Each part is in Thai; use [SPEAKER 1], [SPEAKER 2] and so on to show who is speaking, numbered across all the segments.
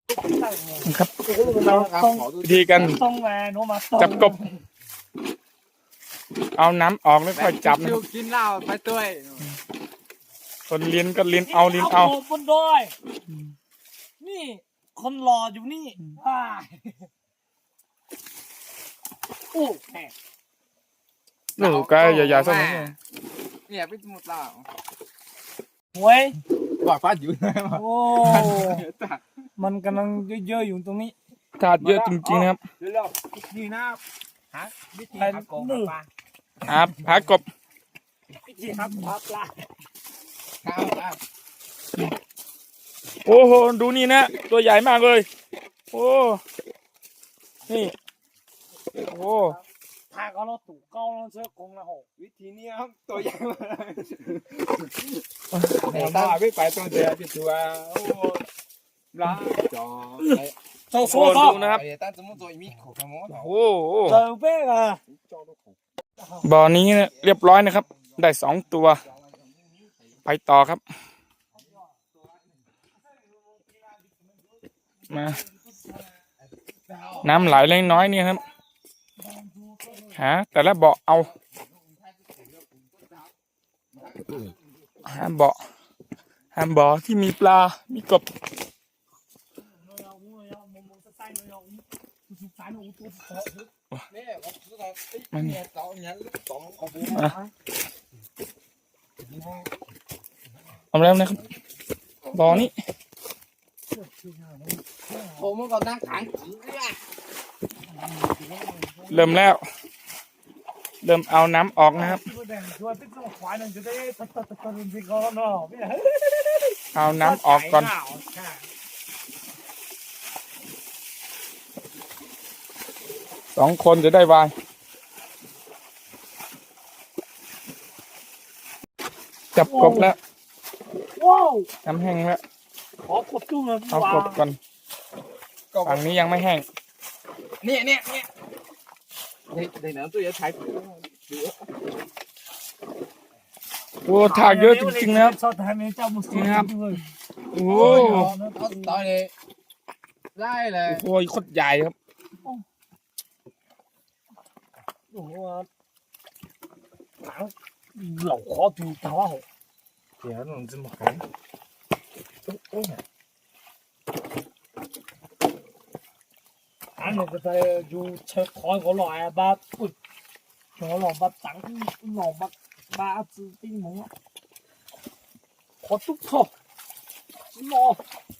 [SPEAKER 1] ครับวิธีกันจับกบเอาน้ำออกแล้วค่อยจับนะครับ
[SPEAKER 2] กินเหล้าไปด้วย
[SPEAKER 1] คนเลี้ยนก็เลี้ยนเอาเลี้ยนเอา
[SPEAKER 3] บนดอยนี่คนรออยู่นี่โอ้แหม
[SPEAKER 1] นู่นก็อย่าๆสักหน่อย
[SPEAKER 2] เนี่ยพี่สมุดเหล้า
[SPEAKER 3] หวย
[SPEAKER 2] บอกฟ้าอยู่เลยมั้ง
[SPEAKER 3] โอ้มันกำลังเยอะๆอยู่ตรงนี้
[SPEAKER 1] ถาดเยอะจริงๆนะครับ
[SPEAKER 2] เร็วๆนี่นะหาวิธีหากบปลา
[SPEAKER 1] หากบ
[SPEAKER 3] วิธีครับปลา
[SPEAKER 2] ครับ
[SPEAKER 1] โอ้โหดูนี่นะตัวใหญ่มากเลยโอ้นี่โอ้
[SPEAKER 3] ถ้าเขาเราตู่เก้าเราเชื่อกงละหก
[SPEAKER 2] วิธีนี้ครับตัวใหญ่มากตาไม่ไปตัวเดียวที่ตัวโอ้ลาจอ
[SPEAKER 3] เจ้า
[SPEAKER 1] โห
[SPEAKER 3] สัวเขา
[SPEAKER 1] ดูนะครับ
[SPEAKER 2] ตั้งสมมติตัวมีขขโมย
[SPEAKER 1] โอ้โห
[SPEAKER 3] เจ้าเป้อะ
[SPEAKER 1] บ่อนี้เนี่ยเรียบร้อยนะครับ ได้2 ตัว ไปต่อครับมาน้ำไหลเล็กน้อยนี่ครับหาแต่ละบ่อเอาหาบ่อที่มีปลา มีกบมันเอาแล้วนะครับบ่อนี้
[SPEAKER 2] ผมเมื่อก่อนนั่งขัง
[SPEAKER 1] เริ่มแล้ว เริ่มเอาน้ำออกนะครับ เอาน้ำออกก่อน2 คนจะได้วายจับกบแล้ว
[SPEAKER 3] ว้าว
[SPEAKER 1] น้ำแห้งแล้ว
[SPEAKER 3] ขอกดจุ้งเลย
[SPEAKER 1] เอากบก่อนฝั่งนี้ยังไม่แห้ง
[SPEAKER 2] เนี่ยเดี๋ยวน้ำตัวจะใช้
[SPEAKER 1] โอ้ถากเยอะจริงๆนะครับ
[SPEAKER 3] ชอบทำให้เจ้ามุสลิมด้วย
[SPEAKER 1] โอ้
[SPEAKER 2] ต่อยเลยได้เลย
[SPEAKER 1] โหโคตรใหญ่ครับ
[SPEAKER 3] โอ้โหหนังเหล่าขอดูตาว่า
[SPEAKER 2] เดี๋ยวหนูจะมาขัง
[SPEAKER 3] อันนี้ก็จะอยู่เช็คคอยเขาหล่อบ้าอุ้ยเขาหล่อบ้าตังหล่อบ้าจืดติ้งหมูขอตุ๊กทบหล่อ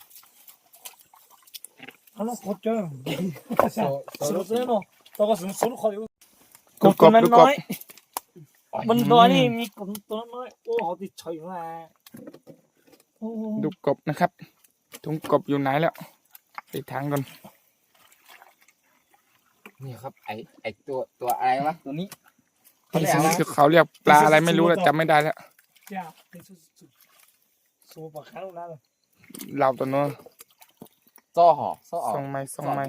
[SPEAKER 3] อันนั้นขอเจอสุดเลยเนาะตัวก็สุดขออยู่กบตัวน้อยบนตัวนี่มีกบตัวน้อยโอ้เขาติดเฉยมา
[SPEAKER 1] ดูกบนะครับถุงกบอยู่ไหนแล้วไปทางก่อน
[SPEAKER 2] นี่ครับไอตัวอะไรวะตัวนี้
[SPEAKER 1] เขาเรียกปลาอะไรไม่รู้แล้วจำไม่ได้แล้ว
[SPEAKER 3] จ้าเป็นสู้ปากข้างนั้น
[SPEAKER 1] เราตัวนู้น
[SPEAKER 2] ซ่อห่อซ่อออก
[SPEAKER 1] ส่งไม้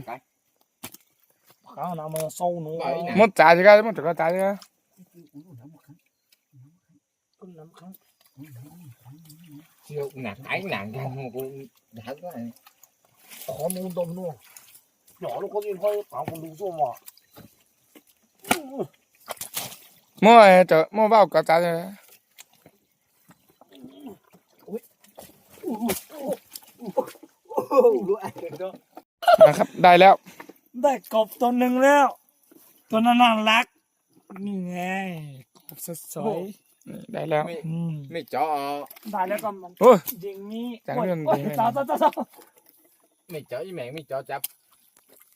[SPEAKER 3] ข้างนั้นมันสู้หนู
[SPEAKER 1] หมดจ่ายใช่ไหมหมดจ่ายใช่ไหม
[SPEAKER 3] ก็น้ำข้าง
[SPEAKER 2] เชี่ยวหนักไอ้หนักกันกูหนักก็ไอ้
[SPEAKER 3] ขอมูดมนู่นหยอลูกคนอื่นเขาถามคนดูสู้มา
[SPEAKER 1] มั่วเจอมั่วเบ้ากระจายใช่ไหมนะครับได้แล้ว
[SPEAKER 3] ได้กบตัวหนึ่งแล้วตัวนั้นน่ารักนี่ไงกบสวย
[SPEAKER 1] ได้แล้ว
[SPEAKER 2] ไม่จ่อ
[SPEAKER 3] ได้แล้วก็มัน
[SPEAKER 1] โอ้ย
[SPEAKER 3] ยิงนี้
[SPEAKER 1] จังเรื่อง
[SPEAKER 3] จ้า
[SPEAKER 1] ดีไหม
[SPEAKER 3] จ้า
[SPEAKER 2] ไม่จ่ออีแมงไม่จ่อจับ